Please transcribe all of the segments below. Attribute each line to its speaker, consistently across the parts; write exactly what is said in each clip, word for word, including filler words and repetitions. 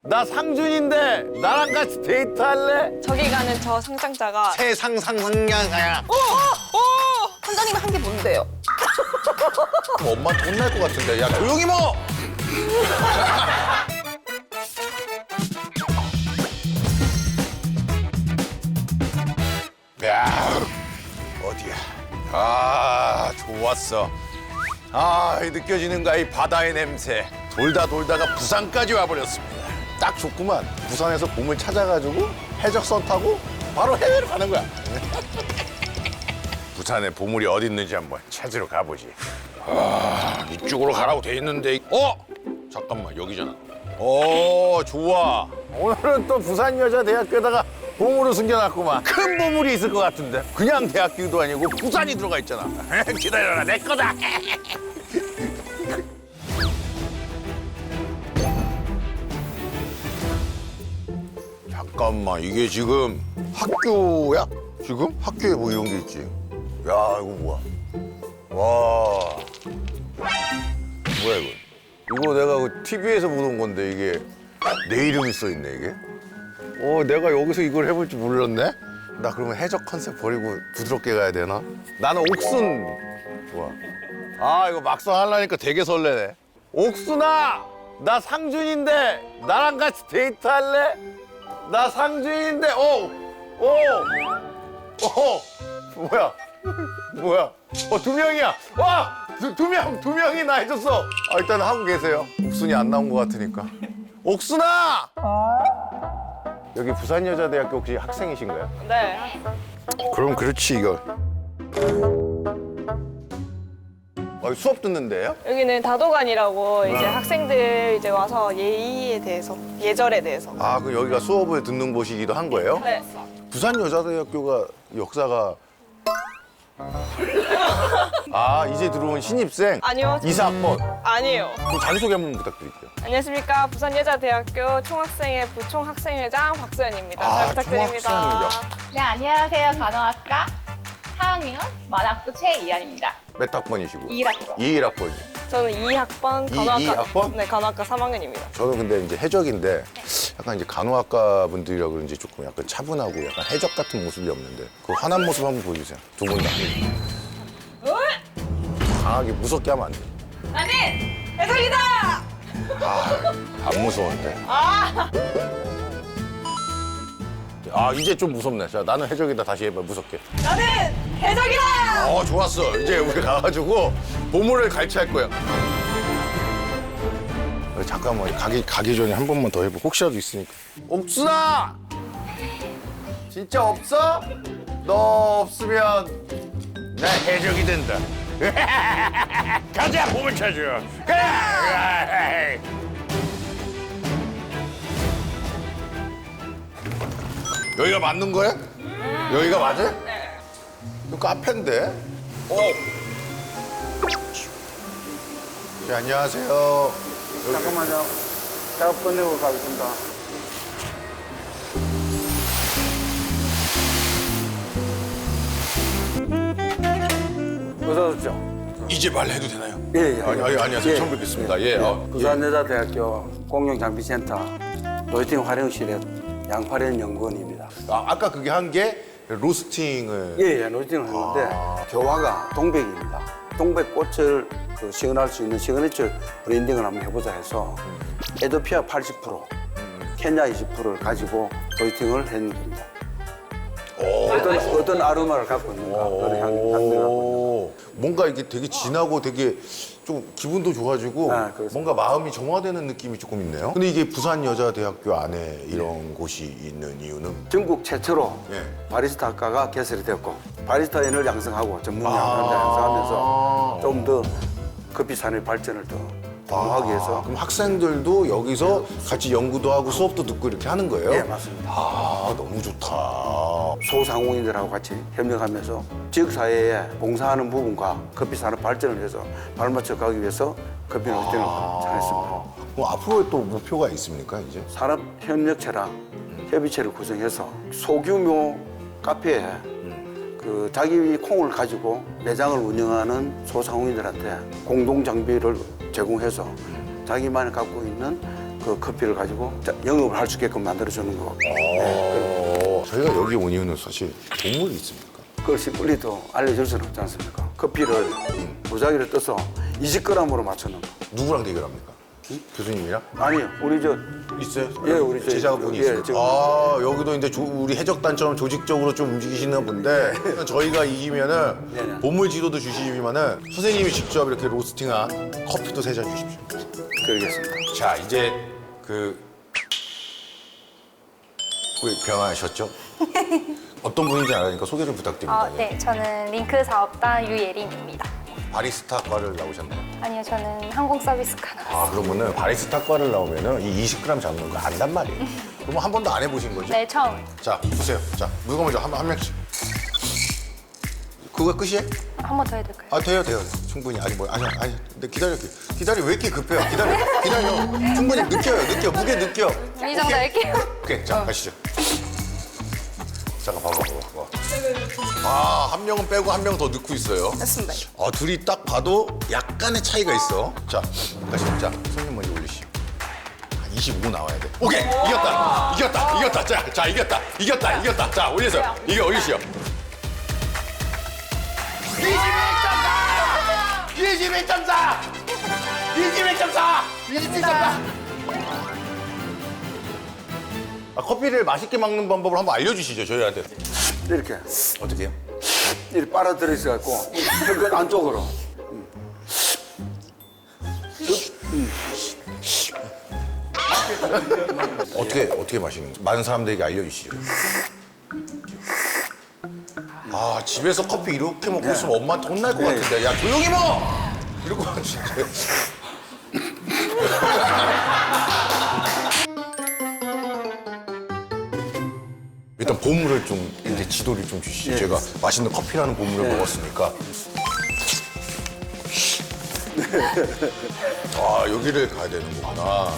Speaker 1: 나 상준인데 나랑 같이 데이트할래?
Speaker 2: 저기 가는 저 상장자가
Speaker 1: 세상 상상냥야.
Speaker 2: 어! 어! 어! 선장님 한 게 뭔데요?
Speaker 1: 엄마한테 혼날 것 같은데. 야 조용히 먹어. 야 어디야? 아 좋았어. 아 느껴지는가 이 바다의 냄새. 돌다 돌다가 부산까지 와버렸습니다. 딱 좋구만. 부산에서 봄을 찾아가지고 해적선 타고 바로 해외로 가는 거야. 부산에 보물이 어디 있는지 한번 찾으러 가보지. 아, 이쪽으로 가라고 돼 있는데. 어? 잠깐만, 여기잖아. 어, 좋아. 오늘은 또 부산여자대학교에다가 보물을 숨겨놨구만. 큰 보물이 있을 것 같은데. 그냥 대학교도 아니고 부산이 들어가 있잖아. 기다려라, 내 거다. 잠깐만, 이게 지금 학교야? 지금? 학교에 뭐 이런 게 있지? 야, 이거 뭐야? 와. 뭐야, 이거? 이거 내가 그 티비에서 보던 건데, 이게 내 이름이 써있네, 이게? 어, 내가 여기서 이걸 해볼 줄 몰랐네? 나 그러면 해적 컨셉 버리고 부드럽게 가야 되나? 나는 옥순. 좋아. 아, 이거 막상 하려니까 되게 설레네. 옥순아! 나 상준인데 나랑 같이 데이트할래? 나 상준인데, 어! 어! 어! 뭐야? 뭐야? 어, 두 명이야! 와! 두, 두 명! 두 명이 나 해줬어! 아, 일단 하고 계세요. 옥순이 안 나온 것 같으니까. 옥순아! 여기 부산여자대학교 혹시 학생이신가요?
Speaker 2: 네.
Speaker 1: 그럼 그렇지, 이거. 아, 수업 듣는데요?
Speaker 2: 여기는 다도관이라고 이제
Speaker 1: 네.
Speaker 2: 학생들 이제 와서 예의에 대해서, 예절에 대해서.
Speaker 1: 아, 그럼 여기가 수업을 듣는 곳이기도 한 거예요?
Speaker 2: 네.
Speaker 1: 부산여자대학교가 역사가 아, 이제 들어온 신입생?
Speaker 2: 아니요.
Speaker 1: 이사 학번.
Speaker 2: 아니에요.
Speaker 1: 그럼 자기소개 한번 부탁드릴게요.
Speaker 2: 안녕하십니까. 부산여자대학교 총학생회 부총학생회장 박소연입니다.
Speaker 1: 아,
Speaker 2: 잘 부탁드립니다.
Speaker 1: 총학생회장.
Speaker 3: 네, 안녕하세요. 간호학과 사 학년 만학부 최이한입니다.
Speaker 1: 몇 학번이시고?
Speaker 3: 이 학번.
Speaker 1: 이일 학번이.
Speaker 2: 저는 이 학번
Speaker 1: 이-
Speaker 2: 간호학과.
Speaker 1: 이 학번?
Speaker 2: 네, 간호학과 삼 학년입니다.
Speaker 1: 저는 근데 이제 해적인데 약간 이제 간호학과 분들이라 그런지 조금 약간 차분하고 약간 해적 같은 모습이 없는데 그 환한 모습 한번 보여주세요. 두 분 다. 강하게 무섭게 하면 안 돼.
Speaker 2: 나는 해석이다!
Speaker 1: 아, 안 무서운데.
Speaker 2: 아!
Speaker 1: 아, 이제 좀 무섭네. 자, 나는 해적이다. 다시 해봐, 무섭게.
Speaker 2: 나는 해석이다!
Speaker 1: 어, 좋았어. 이제 우리 가가지고 보물을 갈취할 거야. 어, 잠깐만, 가기, 가기 전에 한 번만 더 해보. 혹시라도 있으니까. 옥순아! 진짜 없어? 너 없으면 나 해적이 된다. 가자, 보물 찾으러. 그래! 여기가 맞는 거야? 여기가 맞아?
Speaker 2: 네.
Speaker 1: 이거 카페인데? 어. 네, 안녕하세요.
Speaker 4: 잠깐만요. 작업 끝내고 가겠습니다. 어서 오십시오.
Speaker 1: 이제 말해도 되나요?
Speaker 4: 예, 예.
Speaker 1: 아니, 아니, 안녕하세요.
Speaker 4: 예.
Speaker 1: 처음 뵙겠습니다. 예. 어,
Speaker 4: 부산여자대학교 공룡장비센터 로스팅 활용실의 양파련 연구원입니다.
Speaker 1: 아, 아까 그게 한 게 로스팅을.
Speaker 4: 예, 예, 로스팅을 했는데
Speaker 1: 아.
Speaker 4: 교화가 동백입니다. 동백꽃을 그 시연할 수 있는 시그니처 브랜딩을 한번 해보자 해서 에도피아 팔십 퍼센트, 케냐 이십 퍼센트를 가지고 로스팅을 했습니다.
Speaker 1: 오.
Speaker 4: 어떤, 어떤 아로마를 갖고 있는가, 그런 향, 향들을 갖고 있는가.
Speaker 1: 뭔가 이게 되게 진하고 되게 좀 기분도 좋아지고
Speaker 4: 아, 그렇습니다.
Speaker 1: 뭔가 마음이 정화되는 느낌이 조금 있네요. 근데 이게 부산여자대학교 안에 이런 곳이 있는 이유는?
Speaker 4: 전국 최초로
Speaker 1: 예.
Speaker 4: 바리스타 학과가 개설이 되었고 바리스타인을 양성하고 전문
Speaker 1: 아.
Speaker 4: 양성자 양성하면서 좀 더 커피 산업 발전을 더 도모하기 위해서
Speaker 1: 그럼 학생들도 여기서 같이 연구도 하고 수업도 듣고 이렇게 하는 거예요?
Speaker 4: 예, 맞습니다.
Speaker 1: 아, 너무 좋다.
Speaker 4: 소상공인들하고 같이 협력하면서 지역사회에 봉사하는 부분과 커피 산업 발전을 위해서 발맞춰 가기 위해서 커피 로스팅을 잘했습니다.
Speaker 1: 그럼 앞으로의 또 목표가 있습니까, 이제?
Speaker 4: 산업협력체랑 협의체를 구성해서 소규모 카페에 그 자기 콩을 가지고 매장을 운영하는 소상공인들한테 공동 장비를 제공해서 자기만이 갖고 있는 그 커피를 가지고 자, 영업을 할 수 있게끔 만들어주는 거.
Speaker 1: 어, 저희가 여기 온 이유는 사실 동물이 있습니까?
Speaker 4: 그것이 빨리 더 알려줄 수는 없지 않습니까? 커피를 무작위로 떠서 이십 그램으로 맞추는 거.
Speaker 1: 누구랑 대결합니까? 교수님이랑?
Speaker 4: 아니요, 우리 저
Speaker 1: 있어요?
Speaker 4: 예, 우리 저희-
Speaker 1: 제자분이
Speaker 4: 예,
Speaker 1: 있어요.
Speaker 4: 지금-
Speaker 1: 아, 여기도 이제 조- 우리 해적단처럼 조직적으로 좀 움직이시는 분데 저희가 이기면은
Speaker 4: 네, 네.
Speaker 1: 보물 지도도 주시지만은 선생님이 직접 이렇게 로스팅한 커피도 세 잔 주십시오.
Speaker 4: 그러겠습니다.
Speaker 1: 자, 이제 그 왜 변화하셨죠? 어떤 분인지 알아니까 소개 좀 부탁드립니다.
Speaker 5: 어, 네, 저는 링크 사업단 유예린입니다.
Speaker 1: 바리스타과를 나오셨나요?
Speaker 5: 아니요, 저는 항공서비스과 나왔어요.
Speaker 1: 아, 그러면은 바리스타과를 나오면은 이 이십 그램 잡는 거 안단 말이에요. 그러면 한 번도 안 해보신 거죠?
Speaker 5: 네, 처음.
Speaker 1: 자, 보세요. 자, 누가 먼저 한, 한 명씩. 그거 끝이에요?
Speaker 5: 한 번 더 해둘까요?
Speaker 1: 아, 돼요, 돼요. 충분히. 아니, 뭐, 아니, 아니. 근데 기다릴게요. 기다려, 왜 이렇게 급해요? 기다려, 기다려. 충분히 느껴요, 느껴. 무게 느껴.
Speaker 5: 이 정도 할게요.
Speaker 1: 오케이, 자, 가시죠. 잠깐 봐봐, 봐봐, 봐봐. 아, 한 명은 빼고 한 명 더 넣고 있어요.
Speaker 2: 됐습니다.
Speaker 1: 아, 둘이 딱 봐도 약간의 차이가 있어. 자, 가시죠. 자, 손님 먼저 올리시오. 한 이십오 나와야 돼. 오케이, 이겼다. 이겼다, 이겼다. 자, 자, 이겼다. 이겼다, 이겼다. 자, 올리세요. 이게 올리시오. 이십일 점 사! 이십일 점 사! 이십일 점 사! 아, 커피를 맛있게 먹는 방법을 한번 알려주시죠, 저희한테.
Speaker 4: 이렇게
Speaker 1: 어떻게 해요?
Speaker 4: 이렇게 빨아들여 있어 갖고 그 안쪽으로.
Speaker 1: 어떻게, 어떻게 마시는 거죠? 많은 사람들에게 알려주시죠. 아, 집에서 커피 이렇게 먹고 있으면 엄마한테 혼날 것
Speaker 4: 네.
Speaker 1: 같은데. 야, 조용히 먹어! 이러고 진짜. 일단 보물을 좀 이제 지도를 좀 주시죠.
Speaker 4: 네.
Speaker 1: 제가 맛있는 커피라는 보물을 먹었으니까. 아, 여기를 가야 되는 거구나.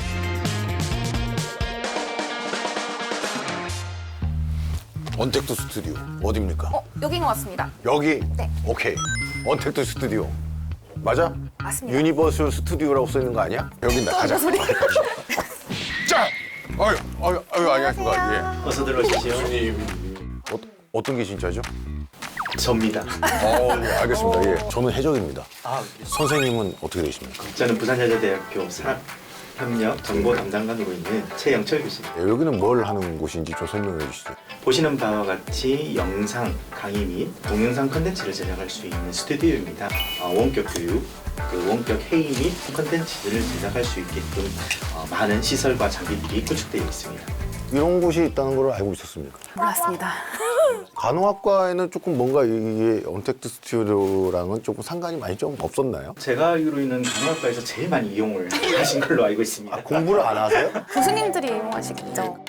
Speaker 1: 언택트 스튜디오 어디입니까?
Speaker 5: 어, 여긴 것 같습니다.
Speaker 1: 여기?
Speaker 5: 네.
Speaker 1: 오케이. 언택트 스튜디오. 맞아?
Speaker 5: 맞습니다.
Speaker 1: 유니버설 스튜디오라고 써 있는 거 아니야? 여긴다. 가자. 자! 아유, 아유, 아유, 안녕하십니까. 예.
Speaker 6: 어서 들어오십시오.
Speaker 1: 어, 어떤 게 진짜죠?
Speaker 6: 접니다.
Speaker 1: 어, 예, 알겠습니다. 예. 저는 해적입니다.
Speaker 6: 아,
Speaker 1: 선생님은 어떻게 되십니까?
Speaker 6: 저는 부산여자대학교 산업협력 정보 담당관으로 있는 최영철 교수입니다.
Speaker 1: 예, 여기는 뭘 하는 곳인지 좀 설명해 주시죠.
Speaker 6: 보시는 바와 같이 영상, 강의 및 동영상 컨텐츠를 제작할 수 있는 스튜디오입니다. 어, 원격 교육, 그 원격 회의 및 컨텐츠들을 제작할 수 있게끔 어, 많은 시설과 장비들이 구축되어 있습니다.
Speaker 1: 이런 곳이 있다는 걸 알고 있었습니까?
Speaker 5: 몰랐습니다.
Speaker 1: 간호학과에는 조금 뭔가 이게 언택트 스튜디오랑은 조금 상관이 많이 좀 없었나요?
Speaker 6: 제가 알기로는 간호학과에서 제일 많이 이용을 하신 걸로 알고 있습니다.
Speaker 1: 공부를 안 하세요?
Speaker 5: 교수님들이 이용하시겠죠?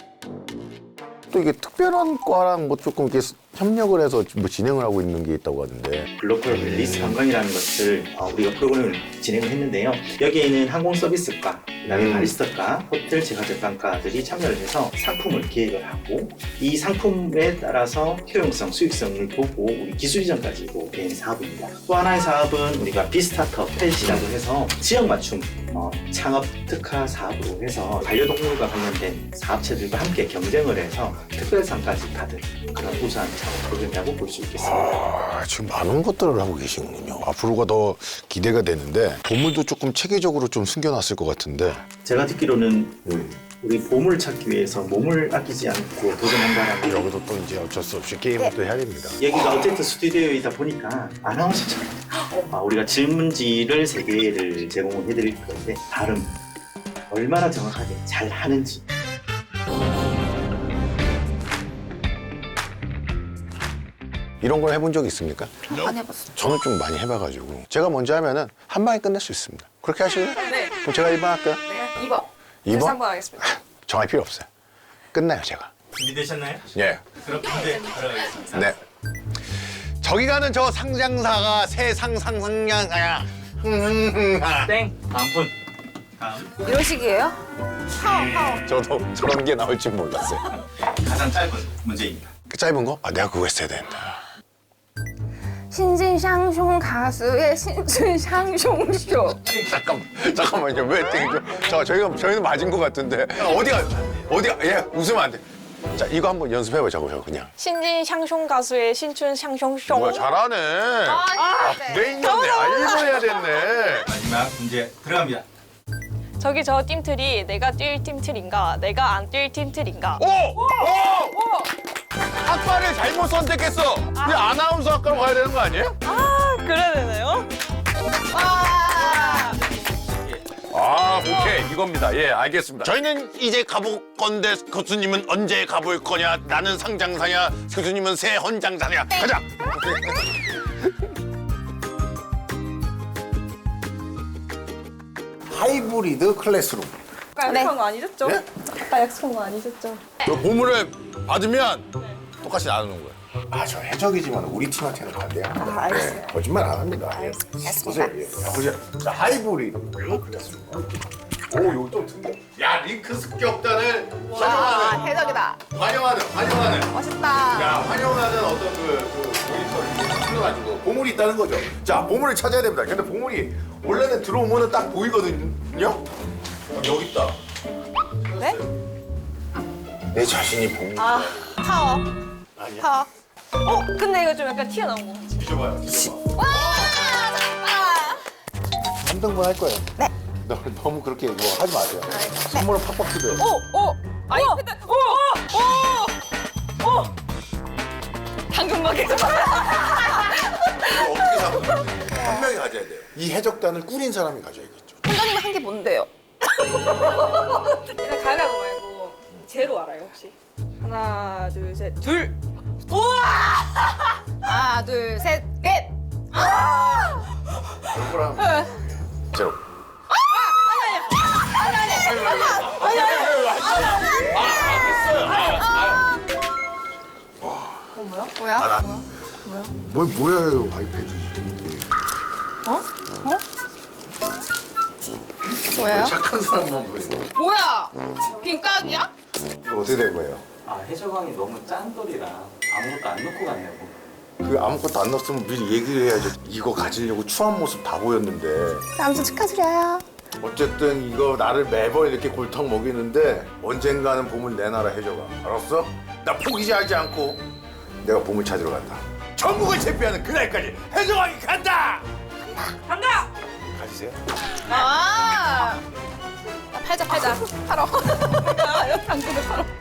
Speaker 1: 또 이게 특별한 과랑 뭐 조금 이렇게 협력을 해서 뭐 진행을 하고 있는 게 있다고 하는데.
Speaker 6: 글로컬 밸리스 관광이라는 것을 어, 우리가 프로그램을 진행을 했는데요. 여기에는 항공 서비스과, 그다음에
Speaker 1: 음.
Speaker 6: 바리스타과, 호텔 제과제빵과들이 참여를 해서 상품을 기획을 하고 이 상품에 따라서 효용성, 수익성을 보고 우리 기술 이전까지 된 사업입니다. 또 하나의 사업은 우리가 비스타트업 펫이라고 해서 지역 맞춤 어, 창업 특화 사업으로 해서 반려동물과 관련된 사업체들과 함께 경쟁을 해서 특별상까지 받은 그런 우수한 창업 프로그램이라고 볼 수 있겠습니다.
Speaker 1: 아, 지금 많은 것들을 하고 계시군요. 앞으로가 더 기대가 되는데 보물도 조금 체계적으로 좀 숨겨놨을 것 같은데.
Speaker 6: 제가 듣기로는 우리 보물 찾기 위해서 몸을 아끼지 않고 도전한다라는
Speaker 1: 여기도 또 이제 어쩔 수 없이 게임을 또 해야 됩니다.
Speaker 6: 여기가 어쨌든 스튜디오이다 보니까 아나운서처럼 아, 우리가 질문지를 세 개를 제공을 해드릴 건데 발음 얼마나 정확하게 잘 하는지
Speaker 1: 이런 걸 해본 적 있습니까?
Speaker 5: 안 해봤어요.
Speaker 1: 저는 좀 많이 해봐가지고 제가 먼저 하면은 한 방에 끝낼 수 있습니다. 그렇게 하실래요?
Speaker 2: 네.
Speaker 1: 그럼 제가 일 번 할게요.
Speaker 2: 네. 이 번.
Speaker 1: 이 번?
Speaker 2: 삼 번 하겠습니다.
Speaker 1: 정할 필요 없어요. 끝나요, 제가.
Speaker 6: 준비되셨나요?
Speaker 1: 예.
Speaker 6: 그럼 문제 들어가겠습니다.
Speaker 1: 네. 저기 가는 저 상장사가 새 상상상장사야.
Speaker 6: 땡! 다음 분 다음
Speaker 2: 이런 식이에요?
Speaker 1: 저도 저런 게 나올 줄 몰랐어요.
Speaker 6: 가장 짧은 문제입니다.
Speaker 1: 그 짧은 거? 아, 내가 그거 했어야 된다.
Speaker 5: 신진샹숑 가수의 신춘샹숑쇼.
Speaker 1: 잠깐만, 잠깐만요. 왜 땡겨? 자, 저희가 저희는 맞은 것 같은데 어디가 어디가 예 웃으면 안 돼. 자, 이거 한번 연습해보자고요, 그냥.
Speaker 2: 신진 샹숑 가수의 신춘 샹숑숑.
Speaker 1: 뭐야, 잘하네. 아, 내 있는데, 아, 일본 해야 됐네.
Speaker 7: 마지막 문제 들어갑니다.
Speaker 2: 저기 저 팀틀이 내가 뛸 팀틀인가 내가 안 뛸 팀틀인가.
Speaker 1: 오! 오! 학과를 잘못 선택했어. 우리 아나운서 학과로 가야 되는 거 아니에요?
Speaker 2: 아 그래야 되나요?
Speaker 1: 아, 오케이. 이겁니다. 예, 알겠습니다. 저희는 이제 가볼 건데 교수님은 언제 가볼 거냐? 나는 상장사냐? 교수님은 새 헌장사냐? 가자!
Speaker 8: 하이브리드 클래스룸.
Speaker 2: 아까
Speaker 5: 네.
Speaker 2: 약속한 거 아니셨죠?
Speaker 1: 네?
Speaker 2: 아까 약속한 거 아니셨죠?
Speaker 1: 그 보물을 받으면 똑같이 나누는 거예요.
Speaker 8: 아, 저 해적이지만 우리 팀한테는 반대합니다.
Speaker 2: 아, 알겠어요.
Speaker 8: 네, 거짓말 안 합니다. 예. 보세요. 예. 자, 보세요. 자, 하이브리드 클래스룸. 오, 이거 좀 특이해.
Speaker 1: 야, 링크 습격단을
Speaker 5: 와,
Speaker 1: 환영하는,
Speaker 5: 해적이다.
Speaker 1: 환영하는, 환영하는.
Speaker 5: 멋있다.
Speaker 1: 야, 환영하는 어떤 그, 그 모니터를 틀어가지고.
Speaker 8: 보물이 있다는 거죠. 자, 보물을 찾아야 됩니다. 근데 보물이 원래는 들어오면 딱 보이거든요. 어, 여기 있다.
Speaker 2: 네?
Speaker 8: 내 자신이 보물.
Speaker 2: 아 파워.
Speaker 8: 아니야.
Speaker 2: 파워. 어 근데 이거 좀 약간 튀어나온 거 같지?
Speaker 8: 뒤져봐요. 뒤져봐. 삼 등분 할 거예요. 네. 너무 그렇게 뭐 하지 마세요. 선물은 팍팍 주세요.
Speaker 2: 오! 오! 아니 근데 오! 오! 오! 당근마켓.
Speaker 8: 어떻게 사면 한 명이 가져야 돼요. 이 해적단을 꾸린 사람이 가져야겠죠.
Speaker 5: 선생님 한 게 뭔데요?
Speaker 2: 일단 가위바위보 말고 제로 알아요 혹시? 하나 둘 셋 둘! 우와!
Speaker 5: 하나, 둘, 셋, 넷.
Speaker 8: 억울하면 제로.
Speaker 5: 뭐야?
Speaker 8: 뭐 뭐야 아이패드.
Speaker 5: 뭐예요?
Speaker 8: 착한 사람만 보이고.
Speaker 5: 뭐야? 빈깍이야?
Speaker 8: 이거 어떻게 된 거예요?
Speaker 6: 아, 해적왕이 너무 짠돌이라 아무것도 안 넣고 갔냐고.
Speaker 8: 그 아무것도 안 넣었으면 미리 얘기를 해야죠. 이거 가지려고 추한 모습 다 보였는데.
Speaker 5: 아무튼 축하드려요.
Speaker 8: 어쨌든 이거 나를 매번 이렇게 골탕 먹이는데 언젠가는 보물 내놔라 해줘가. 알았어? 나 포기하지 않고 내가 보물 찾으러 간다. 전국을 제패하는 그날까지 해적왕이 간다.
Speaker 2: 간다!
Speaker 8: 가지세요.
Speaker 5: 아. 팔자 팔자 팔어. 아, 당근을 팔어.